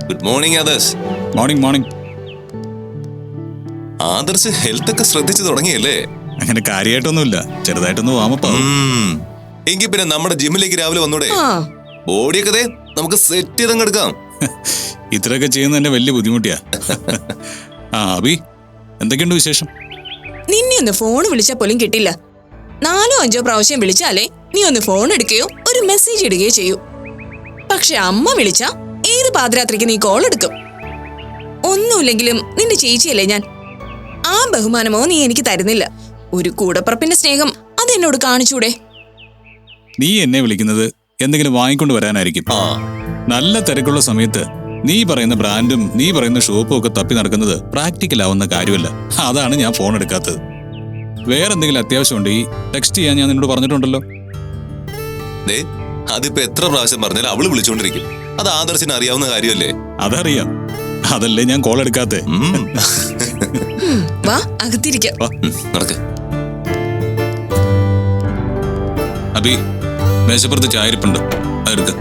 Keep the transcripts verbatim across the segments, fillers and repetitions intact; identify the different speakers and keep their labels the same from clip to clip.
Speaker 1: Good morning Adarsh.
Speaker 2: Morning morning.
Speaker 1: Adarsh health ഒക്കെ ശ്രദ്ധിച്ചു തുടങ്ങിയല്ലേ?
Speaker 2: അങ്ങനെ കാര്യമായിട്ടൊന്നുമില്ല, ചെറുതായിട്ടൊന്ന് വാമപ്പാവും.
Speaker 1: എങ്കിൽ പിന്നെ നമ്മുടെ ജിമ്മിലേക്ക് രാവിലെ വന്നൂടെ? ബോഡിയൊക്കെ നമുക്ക് സെറ്റ് ചെയ്തങ്ങ് എടുക്കാം.
Speaker 2: ഇത്രയൊക്കെ ചെയ്യുന്ന എന്റെ വലിയ ബുദ്ധിമുട്ടിയാ. ആ അബി, എന്തൊക്കെയുണ്ട് വിശേഷം?
Speaker 3: നിന്നെ ഒന്ന് ഫോൺ വിളിച്ചാൽ പോലും കിട്ടില്ല. നാലോ അഞ്ചോ പ്രാവശ്യം വിളിച്ചാലേ നീ ഒന്ന് ഫോൺ എടുക്കുകയോ ഒരു മെസ്സേജ് ഇടുകയോ ചെയ്യൂ. പക്ഷെ അമ്മ വിളിച്ചാ ഏത് പാതിരാത്രിക്ക് നീ കോൾ എടുക്കും. ഒന്നുമില്ലെങ്കിലും നിന്റെ ചേച്ചിയല്ലേ ഞാൻ. ആ ബഹുമാനമോ നീ എനിക്ക് തരുന്നില്ല. ഒരു കൂടപ്പറപ്പിന്റെ സ്നേഹം അതെന്നോട് കാണിച്ചൂടെ?
Speaker 2: നീ എന്നെ വിളിക്കുന്നത് എന്തെങ്കിലും വാങ്ങിക്കൊണ്ട് വരാനായിരിക്കും. നല്ല തിരക്കുള്ള സമയത്ത് നീ പറയുന്ന ബ്രാൻഡും നീ പറയുന്ന ഷോപ്പും ഒക്കെ തപ്പി നടക്കുന്നത് പ്രാക്ടിക്കൽ ആവുന്ന കാര്യമല്ല. അതാണ് ഞാൻ ഫോൺ എടുക്കാത്തത്. വേറെ എന്തെങ്കിലും അത്യാവശ്യം ഉണ്ടെങ്കിൽ ടെക്സ്റ്റ് ചെയ്യാൻ ഞാൻ നിന്നോട് പറഞ്ഞിട്ടുണ്ടല്ലോ.
Speaker 1: അതിപ്പോ എത്ര പ്രാവശ്യം പറഞ്ഞാലും അവള് വിളിച്ചോണ്ടിരിക്കും. അത് ആദർശിന് അറിയാവുന്ന കാര്യമല്ലേ?
Speaker 2: അതറിയാം, അതല്ലേ ഞാൻ കോൾ എടുക്കാത്തെ.
Speaker 3: വാ അകത്തിരിക്കാം.
Speaker 2: അബി, മേശപ്പുറത്ത് ചായരിപ്പുണ്ട്, അതെടുക്ക.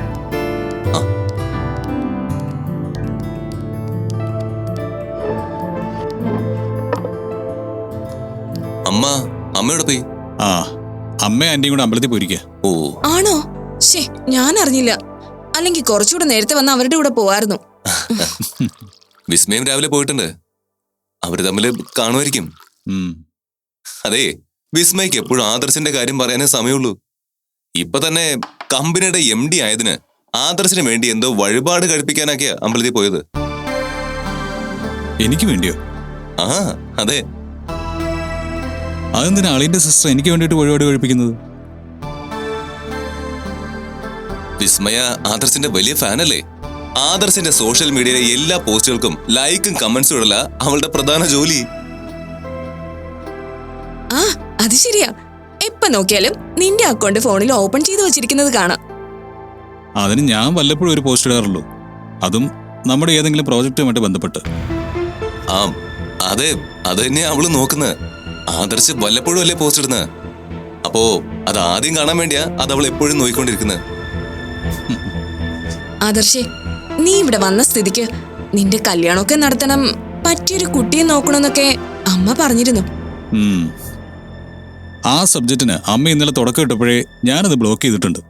Speaker 1: അമ്മ അമ്മയോടെ പോയി.
Speaker 2: ആ, അമ്മ ആന്റിയും കൂടെ അമ്പലത്തിൽ പോയിരിക്കുക.
Speaker 1: ഓ
Speaker 3: ആണോ? ശേ, ഞാൻ അറിഞ്ഞില്ല. അല്ലെങ്കിൽ കുറച്ചുകൂടെ നേരത്തെ വന്ന് അവരുടെ കൂടെ പോവായിരുന്നു.
Speaker 1: വിസ്മയം രാവിലെ പോയിട്ടുണ്ട്. അവര് തമ്മില് കാണുമായിരിക്കും. അതെ, വിസ്മയ്ക്ക് എപ്പോഴും ആദർശിന്റെ കാര്യം പറയാനേ സമയമുള്ളൂ. ഇപ്പൊ തന്നെ കമ്പനിയുടെ എം ഡി ആയതിന് ആദർശിന് വേണ്ടി എന്തോ വഴിപാട് കഴിപ്പിക്കാനൊക്കെയാ അമ്പലത്തിൽ പോയത്.
Speaker 2: എനിക്ക് വേണ്ടിയോ?
Speaker 1: ആ അതെ.
Speaker 2: അതെന്തിനാ അളിയന്റെ സിസ്റ്റർ എനിക്ക് വേണ്ടിയിട്ട് വഴിപാട് കഴിപ്പിക്കുന്നത്?
Speaker 1: വിസ്മയ ആദർശിന്റെ വലിയ ഫാനല്ലേ? ആദർശിന്റെ സോഷ്യൽ മീഡിയയിലെ എല്ലാ പോസ്റ്റുകൾക്കും ലൈക്കും കമന്റ്സും ഇടല അവളുടെ പ്രധാന ജോലി.
Speaker 3: ആ അത് ശരിയാ. എപ്പ നോക്കിയാലും നിന്റെ അക്കൗണ്ട് ഫോണിൽ ഓപ്പൺ ചെയ്ത് വെച്ചിരിക്കുന്നത് കാണാം.
Speaker 2: അതിന് ഞാൻ വല്ലപ്പോഴും ഒരു പോസ്റ്റ് ഇടാറുള്ളൂ, അതും നമ്മുടെ ഏതെങ്കിലും പ്രോജക്റ്റുമായിട്ട് ബന്ധപ്പെട്ട്.
Speaker 1: ആ അതെ, അത് തന്നെയാ അവള് നോക്കുന്നത്. ആദർശ് വല്ലപ്പോഴും അല്ലേ പോസ്റ്റ് ഇടുന്നത്. അപ്പോ അത് ആദ്യം കാണാൻ വേണ്ടിയാ അത് അവൾ എപ്പോഴും നോക്കിക്കൊണ്ടിരിക്കുന്നത്.
Speaker 3: ആദർശേ, നീ ഇവിടെ വന്ന സ്ഥിതിക്ക് നിന്റെ കല്യാണമൊക്കെ നടത്തണം, പറ്റിയൊരു കുട്ടിയെ നോക്കണമെന്നൊക്കെ അമ്മ പറഞ്ഞിരുന്നു.
Speaker 2: ആ സബ്ജക്റ്റിന് അമ്മ ഇന്നലെ തുടക്കം ഇട്ടപ്പോഴേ ഞാനത് ബ്ലോക്ക് ചെയ്തിട്ടുണ്ട്.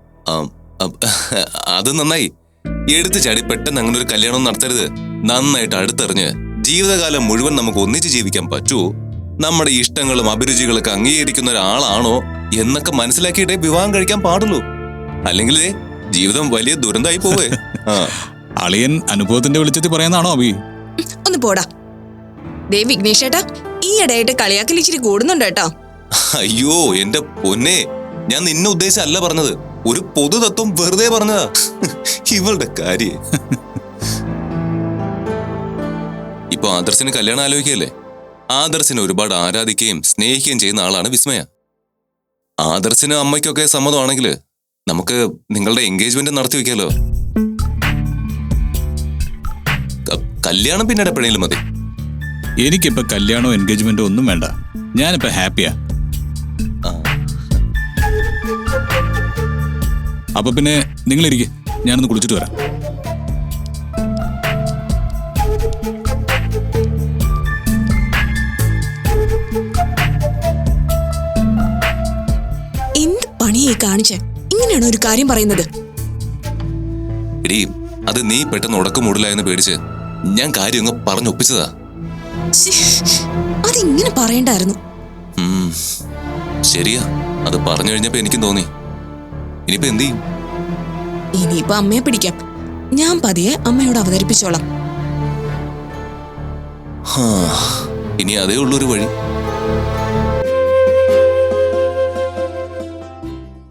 Speaker 1: അത് നന്നായി. എടുത്തു ചാടി പെട്ടെന്ന് അങ്ങനെ ഒരു കല്യാണം നടത്തരുത്. നന്നായിട്ട് അടുത്തെറിഞ്ഞ് ജീവിതകാലം മുഴുവൻ നമുക്ക് ഒന്നിച്ച് ജീവിക്കാൻ പറ്റുമോ, നമ്മുടെ ഇഷ്ടങ്ങളും അഭിരുചികളൊക്കെ അംഗീകരിക്കുന്ന ഒരാളാണോ എന്നൊക്കെ മനസ്സിലാക്കിയിട്ടേ വിവാഹം കഴിക്കാൻ പാടുള്ളൂ. അല്ലെങ്കിൽ ജീവിതം വലിയ ദുരന്തമായി പോവേ.
Speaker 2: അളിയൻ അനുഭവത്തിന്റെ വെളിച്ചത്തിൽ പറയാനാണോ അബി?
Speaker 3: ഒന്ന് പോടാ. ദേ വിഘ്നേഷേട്ടാ, ഈ ഇടയായിട്ട് കളിയാക്കൽ ഇച്ചിരി കൂടുന്നുണ്ട് കേട്ടോ.
Speaker 1: അയ്യോ എന്റെ പൊന്നെ, ഞാൻ നിന്നെ ഉദ്ദേശിച്ചല്ല പറഞ്ഞത്. ഒരു പൊതുതത്വം വെറുതെ പറഞ്ഞതാ. ഇവളുടെ കാര്യം. ഇപ്പൊ ആദർശിന് കല്യാണം ആലോചിക്കല്ലേ? ആദർശിനെ ഒരുപാട് ആരാധിക്കുകയും സ്നേഹിക്കുകയും ചെയ്യുന്ന ആളാണ് വിസ്മയ. ആദർശിന് അമ്മയ്ക്കൊക്കെ സമ്മതമാണെങ്കിൽ നമുക്ക് നിങ്ങളുടെ എൻഗേജ്മെന്റ് നടത്തി വെക്കാലോ. കല്യാണം പിന്നീട് എപ്പോഴെങ്കിലും മതി.
Speaker 2: എനിക്കിപ്പോ കല്യാണോ എൻഗേജ്മെന്റോ ഒന്നും വേണ്ട. ഞാനിപ്പോ ഹാപ്പിയാ. അപ്പൊ പിന്നെ നിങ്ങളിരിക്കെ, ഞാനൊന്ന് കുളിച്ചിട്ട് വരാം.
Speaker 3: എന്ത് പണിയായി കാണിച്ച് ഇങ്ങനെയാണോ ഒരു കാര്യം പറയുന്നത്?
Speaker 1: എടീ, അത് നീ പെട്ടെന്ന് ഉടക്കം മൂടില്ലായെന്ന് പേടിച്ച് ഞാൻ കാര്യം അങ്ങ് പറഞ്ഞൊപ്പിച്ചതാ.
Speaker 3: അതിങ്ങനെ പറയണ്ടായിരുന്നു.
Speaker 1: ശരിയാ, അത് പറഞ്ഞു കഴിഞ്ഞപ്പോ എനിക്കും തോന്നി. ഇനിയിപ്പോ എന്ത് ചെയ്യും?
Speaker 3: ഇനിയിപ്പോ അമ്മയെ പിടിക്കാം. ഞാൻ പതിയെ അമ്മയോട് അവതരിപ്പിച്ചോളാം.
Speaker 1: ഇനി അതേ ഉള്ളൊരു വഴി.